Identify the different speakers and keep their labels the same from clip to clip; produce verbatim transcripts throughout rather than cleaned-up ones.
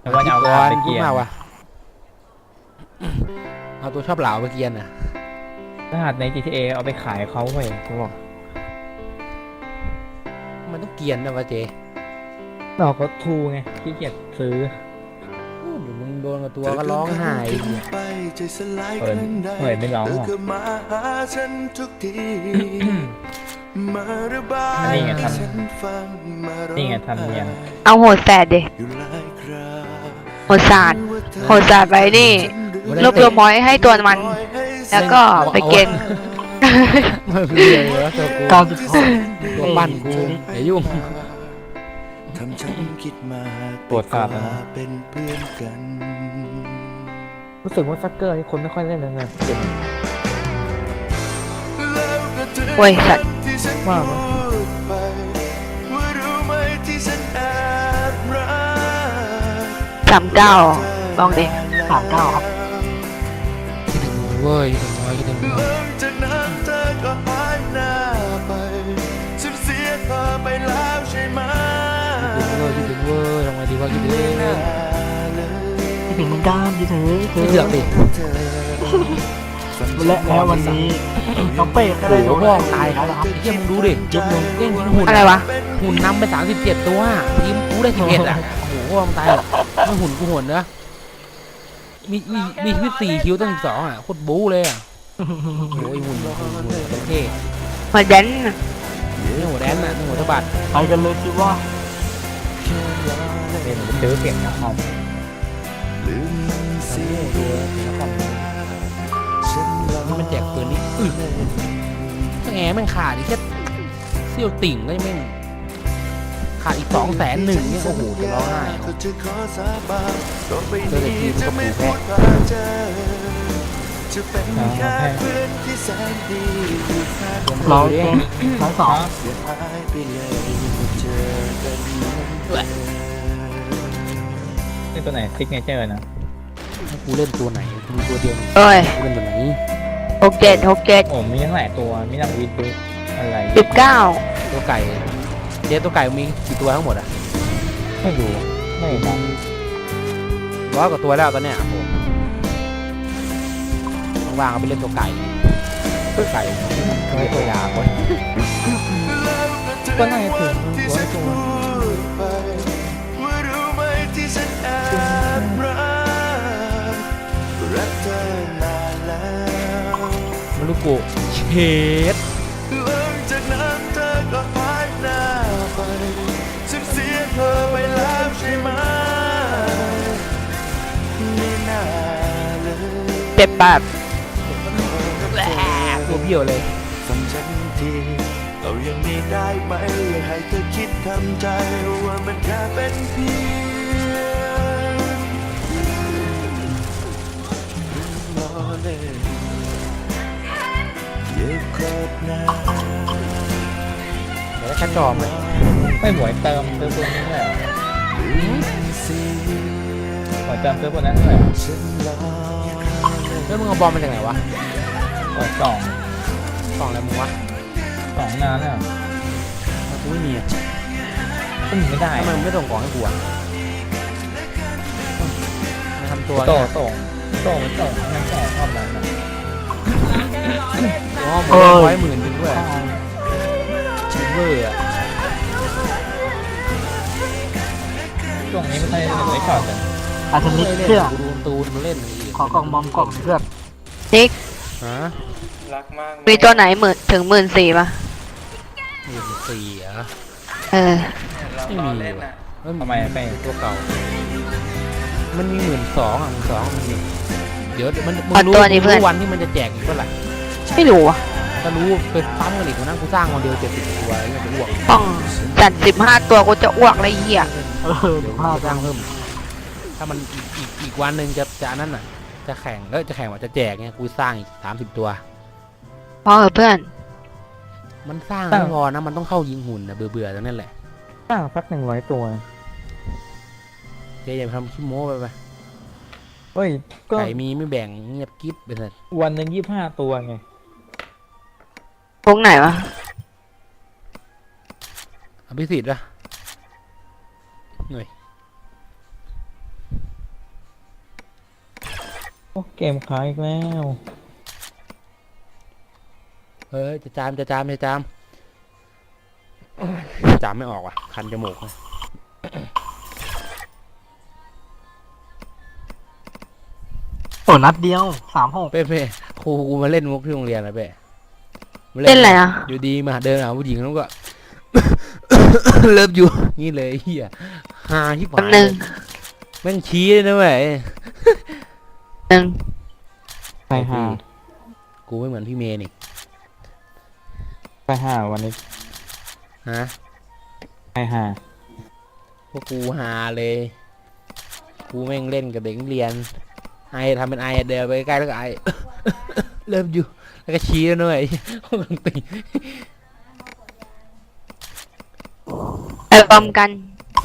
Speaker 1: แต่ว่าจะเอา
Speaker 2: ก่อ
Speaker 1: ขาด
Speaker 2: น
Speaker 1: ไป
Speaker 2: พู
Speaker 1: เกี
Speaker 2: ด
Speaker 1: ยร์
Speaker 2: มากว่ะเอาตัวชอบเหลาไปเกียนอ่ะ
Speaker 1: รหัสใน จี ที เอ เอาไปขายเขาเว้ยกูบอก
Speaker 2: มันต้องเกียนนะวะเจ
Speaker 1: เราก็ทูไงขี้เกียจซื้อ
Speaker 2: เดี๋ยวมึงโดนกับตัวก็ร้องไห้
Speaker 1: เปิดเปิดไม่ร้องหรอกนี่ไงทำนี่ไงทำยัง
Speaker 3: เอาโหดแสดดิโหดศาสตร์โหดศาสตร์ไปนี่รวบรวมมอยให้ตัวมัน แล้วก็ไปเกณฑ์
Speaker 2: ไม่เป็นไรเหรอตัวกู
Speaker 4: เก้าสิบหก
Speaker 2: ตัวปั้นกูอย่ายุ่ง
Speaker 1: ปวดขาดแล้วนะรู้สึกว่าซักเกอร์ที่คนไม่ค่อยเล่นเลยนะเจ็บ
Speaker 3: โอ้ยสัตว์
Speaker 1: มากเลย
Speaker 3: สามเก้าลองดิ
Speaker 4: สามเก้าครับ
Speaker 2: คิดถึงเว้ยคิดถึงน้อยคิดถึงน้อยคิดถึงเว้ยคิดถึงเว้ยทำไงดีวะคิดถึง
Speaker 4: คิดถึงเหมือนกันคิดถึง
Speaker 2: ไม่เถือกดิ
Speaker 4: และแล้ววันนี้น้องเป้ก็ได้โดน
Speaker 2: พ่อตายแล้วครับเฮียมึงดูดิยกมึงเล่นหุ่น
Speaker 3: อะไรวะ
Speaker 2: หุ่นนำไปสามสิบเจ็ดตัวทีมกูได้สิบเอ็ดอ่ะโอ้โหพ่อมึงตายไม่หุ่นกูหุ่นเนอะมีมีมีชีวิตสี่คิวตั้งสิบสองอ่ะโคตรบู๊เลยอ่ะโอ้ยหุ่นหุ่นหุ่นเท่
Speaker 3: มาแดน
Speaker 2: นี่หัวแดนน่ะนี่หัวสะบัด
Speaker 4: ไปกันเลยคิดว่า
Speaker 1: เล่นซื้อเปลี่ยนนะคอม
Speaker 2: นี่มันแจกปืนนี่อึดแง่แม่งขาดอีกแค่เสี้ยวติ่งก็ยังแม่งขาดอีกสองแสนหนึ่งเนี่ยโอ้โหจะร้องไห้เจอแต่ทีมก็ปูแพ้
Speaker 1: อ่าแพ้
Speaker 4: เราเองสองสอง
Speaker 1: นี่ตัวไหนซิกเนเจอร์นะ
Speaker 2: ให้กูเล่นตัวไหนกูมีตัวเดียว
Speaker 3: เอ้ย
Speaker 2: กูเล่นตัวไหน
Speaker 3: หกเจ็ดหกเจ็ด
Speaker 1: โอ้มีทั้งหลายตัวมีทั้งวิดดูอะไร
Speaker 3: สิบเก้า
Speaker 2: ตัวไก่เจ๊ตัวไก่มีกี่ตัวทั้งหมดอ่ะ
Speaker 1: ไม่รู้ไม่รู้
Speaker 2: ร้อยกว่าตัวแล้วตอนเนี้ยผมว่างๆเอาไปเล่นตัวไก่ตัวไก่ไม่ตัวยาวเว้ย
Speaker 1: ก็น่าจะถึงร้อยตัว
Speaker 2: มารุโกะเชด
Speaker 3: เจ็ดแปด
Speaker 2: ตัวเบี้ยวเลย
Speaker 5: เอาอย่างนี้ได้ไหมให้เธอคิดทำใจว่ามันแค่เป็นเพียงล้อเล่นเย็บครบหน้า
Speaker 2: เดี๋ยวได้แค่จอมเลย
Speaker 1: ไม่หวยเติมซื้อตัวนี้เลยเหรอ
Speaker 5: เสีย
Speaker 1: หวยเติมซื้อตัวนั้นเลยเหรอ
Speaker 5: ฉันล้อ
Speaker 2: แล้วมึงเอาบอลมาจากไหนวะ
Speaker 1: หวยสอง
Speaker 2: กล่องอะไรมึงวะ
Speaker 1: สองนานแล้ว
Speaker 2: กูไม่มีอ่ะ
Speaker 1: ก็มีไม่ได้
Speaker 2: ทำไมมึงไม่ส่งกล่องให้กูอ่ะมาทำตัว
Speaker 1: โต
Speaker 2: เนี่ย
Speaker 1: ส่งโตมันส่งนั่นแก่ชอบนั้นนะ
Speaker 2: อ๋อผมได้ร้อยหมื่นหนึ่งด้วยชิลเวอร์อ่ะ
Speaker 1: ช่วงนี้ไม่ค่อยได้เล่นไว้ช็อตกัน
Speaker 4: อาชนิด
Speaker 2: ไม่เล่น
Speaker 4: เชื่อ
Speaker 2: กูดูการ์ตูนมาเล่นอะไรอีก
Speaker 4: ขอกล่องบอมกล่องเพื่อน
Speaker 3: นิก
Speaker 2: ฮะ
Speaker 3: มีตัวไหนหมื่นถึงหมื่นสี่ป่ะ
Speaker 2: หมื่นสี่เหรอ
Speaker 3: เออ
Speaker 2: ไม่มีว่ะเอ้ย
Speaker 1: ทำไมไป
Speaker 2: ตัวเก่า มันมีหมื่นสองอ่ะหมื่นสองมันมีเดี๋ยวมันมึง
Speaker 3: เอา
Speaker 2: รู้
Speaker 3: ตัวนี้
Speaker 2: มึง
Speaker 3: เพื่อน
Speaker 2: รู้วันที่มันจะแจกอีกเท่าไหร่
Speaker 3: ไม่รู้อ่ะ
Speaker 2: ถ้ารู้ไปปั๊มกันอีกวันนั้นกูสร้างวันเดียวเจ็ดสิบตัวอะไรเงี้ยจะอ้วก
Speaker 3: ต้องจัดสิบห้าตัวกูจะอ้วกเลยเหี้ย
Speaker 4: เออ
Speaker 2: เดี๋
Speaker 4: เดี๋
Speaker 2: ย
Speaker 4: ยว ว
Speaker 2: กู
Speaker 4: พลาด
Speaker 2: สร้างเพิ่ม ถ้ามันอีกอีกอีกวันหนึ่งจะจะอันนั้นน่ะ จะแข่งเอ้ยจะแข่งว่าจะแจกเนี่ยกูสร้างอีกสามสิบตัว
Speaker 3: พอเหอะเพื่อน
Speaker 2: มันสร้างไม่พอนะมันต้องเข้ายิงหุ่นนะเบื่อเบื่อๆตรงนั้นแหละ
Speaker 1: ตั้งสักหนึ่งร้อยตัว
Speaker 2: เจ๊อย่าไปทำขี้โม้ไปไป
Speaker 1: เฮ้ยก็
Speaker 2: ไก่มีไม่แบ่งเงียบกิ๊บไปเลย
Speaker 1: วันหนึ่งยี่สิบห้าตัวไง
Speaker 3: พวกไหนวะ
Speaker 2: อภิสิทธิ์ละหน่อย
Speaker 1: โอ้เกมค้างอีกแล้ว
Speaker 2: เฮ้ยจะจามจะจามจะจามจามไม่ออกว่ะคันจมูกนะ
Speaker 4: โอ้นัดเดียวสามหก
Speaker 2: เป้เป้ครูกูมาเล่นมุกที่โรงเรียนนะเป้มา
Speaker 3: เล่นอะไรอ่ะ
Speaker 2: อยู่ดีมาเดินหาผู้หญิงแล้วก็ เลิฟอยู่นี่เลยเฮียฮาที่ผ่า
Speaker 3: แป๊บ
Speaker 2: น
Speaker 3: นึง
Speaker 2: แม่งชี้เลยนะเว้ย
Speaker 3: หนึ่ง
Speaker 1: ไปห้า
Speaker 2: กูไม่เหมือนพี่เมย์นี่
Speaker 1: ไปห้าวันนี้
Speaker 2: ฮะ
Speaker 1: ไปห้า
Speaker 2: พวกกูฮาเลย กูแม่งเล่นกับเด็กนักเรียนไอทำเป็นไอเดินไปใกล้แล้วก็ไอ เริ่มอยู่แล้วก็ชี้แล้วด้วย ห้องติ
Speaker 3: ไปบอมกัน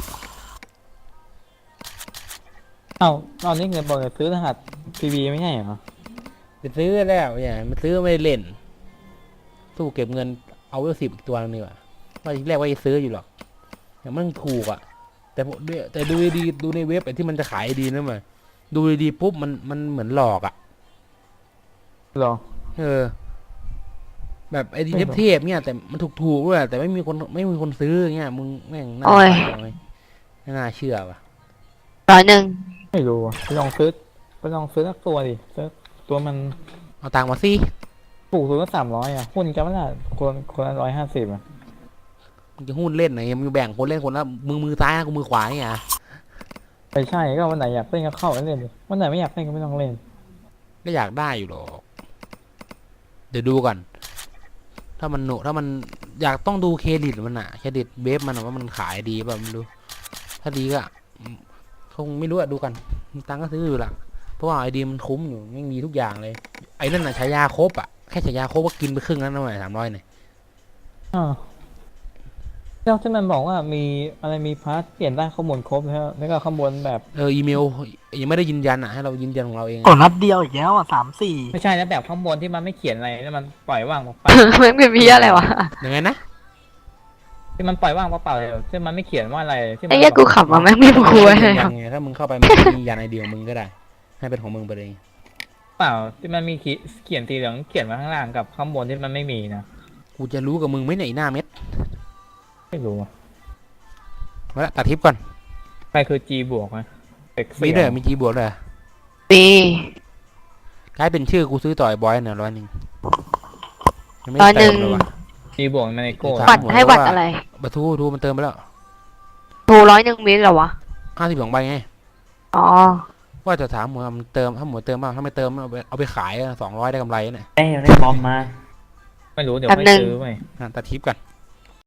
Speaker 1: เอ้าตอนนี้เงินบอกจะซื้อรหัสพีบีไม่ใช่เหรอ
Speaker 2: ไปซื้อแล้วเนี่ยมันซื้อไม่ได้เล่นตู้เก็บเงินเอาไว้สิบอีกตัวนึงดีกว่าว่าทีแรกว่าจะซื้ออยู่หรอกแต่มันถูกอ่ะ แต่ผมด้วยแต่ดูดีๆดูในเว็บไอ้ที่มันจะขายดีนะมันดูดีๆปุ๊บมันมันเหมือนหลอกอ่ะ
Speaker 1: หรอ
Speaker 2: เออ แบบไอ้ที่
Speaker 1: ไม่หรอก
Speaker 2: เทพๆเนี่ยแต่มันถูกๆด้วยแต่ไม่มีคนไม่มีคนซื้อเงี้ยมึงแม่งน่า
Speaker 3: โอ้ย
Speaker 2: ขายไหมไม่น่าเชื่อว่ะ
Speaker 3: ร้อยหนึ่ง
Speaker 1: ไม่รู้อะไปลองซื้อไปลองซื้อสักตัวดิซื้อตัวมัน
Speaker 2: เอาตังค์มาสิ
Speaker 1: ปลูกตัวละสามร้อยอ่ะหุ้นกันไม่ละคนคนละร้อยห้าสิบอ่ะ
Speaker 2: มึงจะหุ้นเล่นไหนมึงแบ่งคนเล่นคนละมือมือซ้ายนะกูมือขวาเนี่ย
Speaker 1: ไม่ใช่ก็วันไหนอยากเล่นก็เข้าไปเล่นดิวันไหนไม่อยากเล่นก็ไม่ต้องเล่น
Speaker 2: ก็อยากได้อยู่หรอก เดี๋ยวดูก่อน ถ้ามันหนุถ้ามันอยากต้องดูเครดิตมันอะเครดิตเบฟมันอะว่ามันขายดีป่ะไม่รู้ ถ้าดีก็คงไม่รู้อะดูกันมีตังค์ก็ซื้ออยู่ละเพราะว่าไอดีมันคุ้มอยู่ยังมีทุกอย่างเลย ไอ้นั่นอะใช้ยาครบอะแค่ใช้ยาครบก็กินไปครึ่งแล้วนะหน่อยสามร้อยเนี่ย
Speaker 1: อ่าแล้วที่มันบอกว่ามีอะไรมีพาร์ทเปลี่ยนได้ข้อมูลครบแล้วแล้วก็ข้างบนแบบ
Speaker 2: เอออีเมลยังไม่ได้ยืนยันอะให้เรายืนยันของเราเอง
Speaker 4: โอ้นัดเดียวอีกแล้วอ่ะสามสี่
Speaker 1: ไม่ใช่แล้วแบบข้างบนที่มันไม่เขียนอะไรแล้วมันปล่อยว่างเปล่า
Speaker 3: มันเป็นพี่อะไรวะ
Speaker 2: ยังไงนะ
Speaker 1: ๆที่มันปล่อยว่างเปล่าๆเลยที่มันไม่เขียนว่าอะไรที่มั
Speaker 3: ไอ้
Speaker 1: น
Speaker 3: เหี้ยกูขับมาแม่งไม่คุยเลย
Speaker 2: ยืนยั
Speaker 3: อะ
Speaker 2: นไงถ้ามึงเข้าไปมึงยืนยันไอเดียของมึงก็ได้ ให้เป็นของมึงไปเลย
Speaker 1: เปล่าที่มันมีเขียนสีเหลืองเขียนมาข้างล่างกับข้างบนที่มันไม่มีนะ
Speaker 2: กูจะรู้กับมึงไหมเนี่ยไอ้หน้าเม็ด
Speaker 1: ไม่รู้อะ
Speaker 2: มาละตัดทิปก่อน
Speaker 1: ใครคือ G บวกนะเด็ก
Speaker 2: มี
Speaker 1: เสี่
Speaker 2: ด้วย
Speaker 1: ยง
Speaker 2: มีจีบวกเลย
Speaker 3: ปี
Speaker 2: กลายเป็นชื่อกูซื้อต่อยบอยเนี่ยร้อยหนึ่งยังไม่
Speaker 3: ร้อย
Speaker 2: ได้
Speaker 3: ห นึ่ง
Speaker 2: เติมเลยวะ
Speaker 1: G บวกมันในโก้
Speaker 2: ถาม
Speaker 3: บัตรให้บัตรอะไร
Speaker 2: บัตรทูทูมันเติมไปแล้ว
Speaker 3: ทูร้อยหนึ่งมิลเหรอวะ
Speaker 2: ห้าสิบสองใบไง
Speaker 3: อ๋อ
Speaker 2: ว่าจะถามหมวยมันเติมถ้าหมวยเติมบ้างถ้าไม่เติมเอาไปเอาไปขายสองร้อยได้กำไรเนี่ย
Speaker 4: ได้ได้บอมมา
Speaker 1: ไม่รู้เดี๋ยว
Speaker 3: แป๊บ
Speaker 1: ไม่
Speaker 3: นึง
Speaker 1: ซื้อไป
Speaker 2: อ่ะตัดทิปกัน